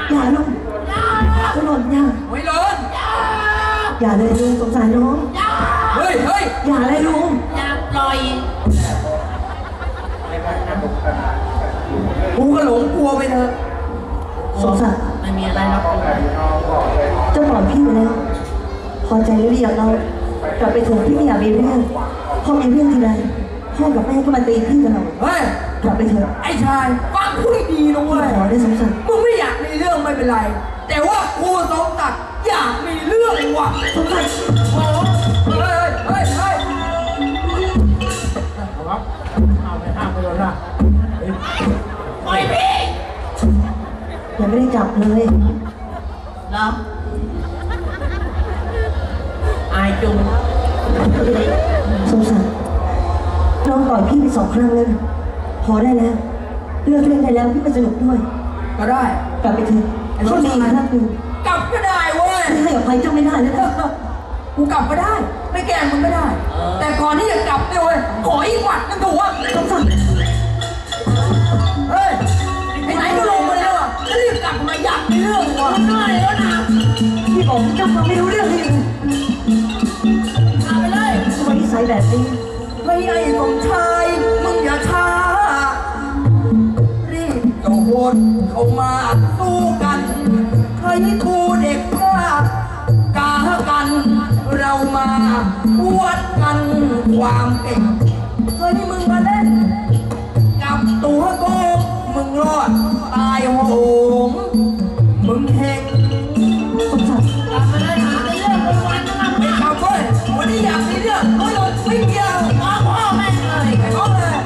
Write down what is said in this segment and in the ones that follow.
อย่าลุงก็หล่นอย่าไม่หล่นอย่าเลยลุงสงสารน้องเฮ้ยอย่าเลยลุงอย่าปล่อยกูก็หลงกลัวไปเถอะสงสารไม่มีอะไรหรอกเจ้าปล่อยพี่ไปแล้วพอใจหรือยังเรากลับไปเถอะพี่ไม่อยากมีเรื่องพ่อมีเรื่องทีไรพ่อกับแม่ก็มาตีพี่ตลอดเฮ้ยกลับไปเถอะไอ้ชายฟังพูดดีนะเว้ยขอได้สงสารมึงไม่อยากมีเรื่องไม่เป็นไรแต่ว่ากูสมศักดิ์อยากมีเรื่องว่ะสงสารโอ้เฮ้ยครับเอาไปห้ามไปแล้วนะปล่อยพี่ยังไม่ได้จับเลยเหรออายจุงสงสารน้องต่อยพี่ไป2 ครั้งแล้วพอได้แล้วเลิกเล่นได้แล้วพี่ไปสนุกด้วยก็ได้กลับไปเถอะเขาดีครั้งนึงกลับก็ได้เว้ยให้อภัยเจ้าไม่ได้แล้วนะกูกลับก็ได้ไม่แกล้งมึงก็ได้แต่ก่อนที่จะกลับเนี่ยเว้ยขออีกหวัดนึงถูกวะสงสารเฮ้ยไหนก็ลงมาแล้วอ่ะจะรีบกลับมาอยากมีเรื่องว่ะเหนื่อยแล้วนะพี่บอกเจ้าฟังไม่รู้เรื่องเลยเอาไปเลยทำไมนิสัยแบบนี้ไม่ไอ้สมชายมึงอย่าช้ารีบโยนเข้ามาสู้กันให้กูเด็กกล้ากากันเรามาวัดกันความเก่งเฮ้ยมึงมาเล่นกับตัวโกงมึงรอดตายโหงมึงเฮงสงสารกลับมาเลยหาเรื่องวันๆนะไม่กลับเว้ยวันนี้อยากมีเรื่องไม่หลดไม่เกี่ยวพ่อแม่เลยไปพ่อเลย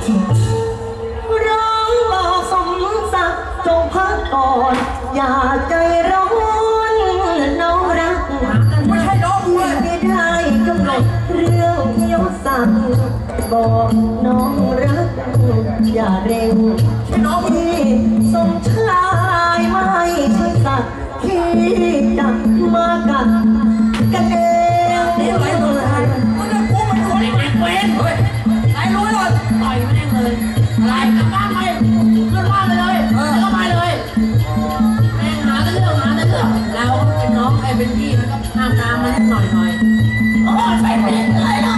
ร้องบอกสมศักดิ์จงพักก่อนอย่าใจร้อนน้องรักไม่ใช่น้องกูเลยไม่ได้กำหนดเรื่องยศศักดิ์บอกน้องรักอย่าเร่งที่สมชายไม่ใช่สัตว์ที่จะมากัดกันเองนี่ไรเลยมึงจะกูมันคนไอ้เว้นเฮ้ยไอ้รู้เลยต่อยแม่งเลยอะไรกลับบ้านไปขึ้นบ้านไปเลยแล้วก็ไปเลยแม่งหาแต่เรื่องเราเป็นน้องไอ้เป็นพี่มันก็ห้ามตามมันหน่อยโอ้ยไปเป็นเลยเนาะ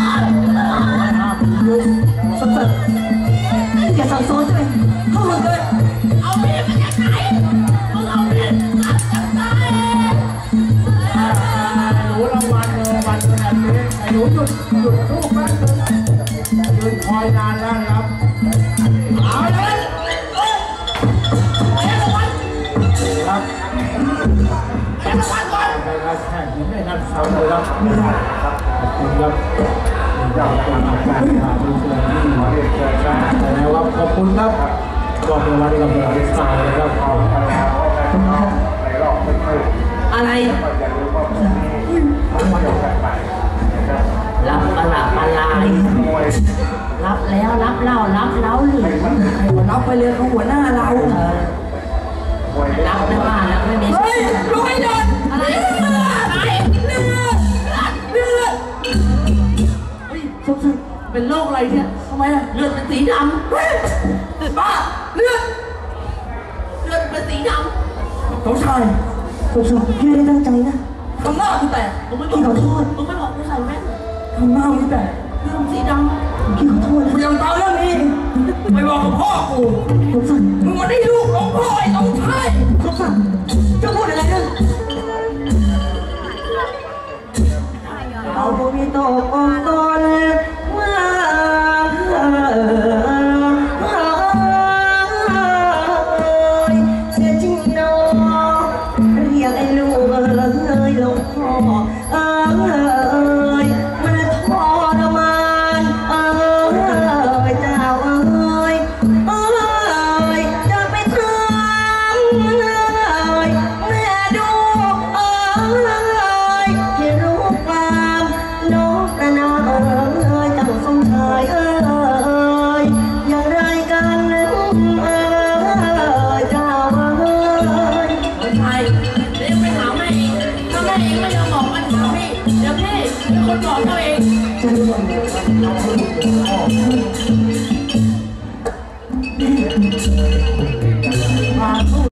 สงสารอย่าสั่งสอนใช่ไหมเข้ามาเลยเอาเมียมันจากไหนมึงเอาเมียจากไหนหนูรางวัลเลยวันขนาดนี้ไอ้หนูหยุดลูกแป๊บนึงยืนคอยนานแล้วนะครับเอาเลยครับแข่งวันก่อนไปครับแข่งไม่นัดซ้ำเลยครับขอบคุณครับเจ้าตัวนักการดูแลที่มาเรียกเชิญนะครับขอบคุณครับกองรางวัลกับเบอร์สายนะครับอะไรรับอะไรรับแล้วรับเล่ารับเล้าหรือรับไปเลยเขาหัวหน้าเรารับไม่ว่าแล้วไม่มีเฮ้ยลุยเดินอะไรเลือดสงสารเป็นโรคอะไรเนี่ยทำไมล่ะเลือดเป็นสีดำบ้าเลือดเป็นสีดำเขาชายสงสารพี่ไม่ได้ตั้งใจนะทำหน้ากูแตกพี่ขอโทษมึงไม่บอกกูใส่แว่นทำหน้ากูแตกเรื่องสีดำพี่ขอโทษนะกูยังตามเรื่องนี้ไปบอกกับพ่อกูสงสารมึงมาได้ลูกของพ่อไอ้ต้องใช่สงสารจะพูดอะไรเนี่ยเอาบุญตกองตนมาเสียจริงน้องเรียกไอ้ลูกเลยหลวงพ่อมันทรมานเจ้าจะไปทำแม่ดูที่รู้ความน้องประนามเจ้าสมชายอย่างไรกันเจ้าไม่ใช่เรียกไปหาแม่อีกถ้าแม่เองไม่ยอมบอกมันถามพี่เดี๋ยวพี่เป็นคนบอกเขาเองจะ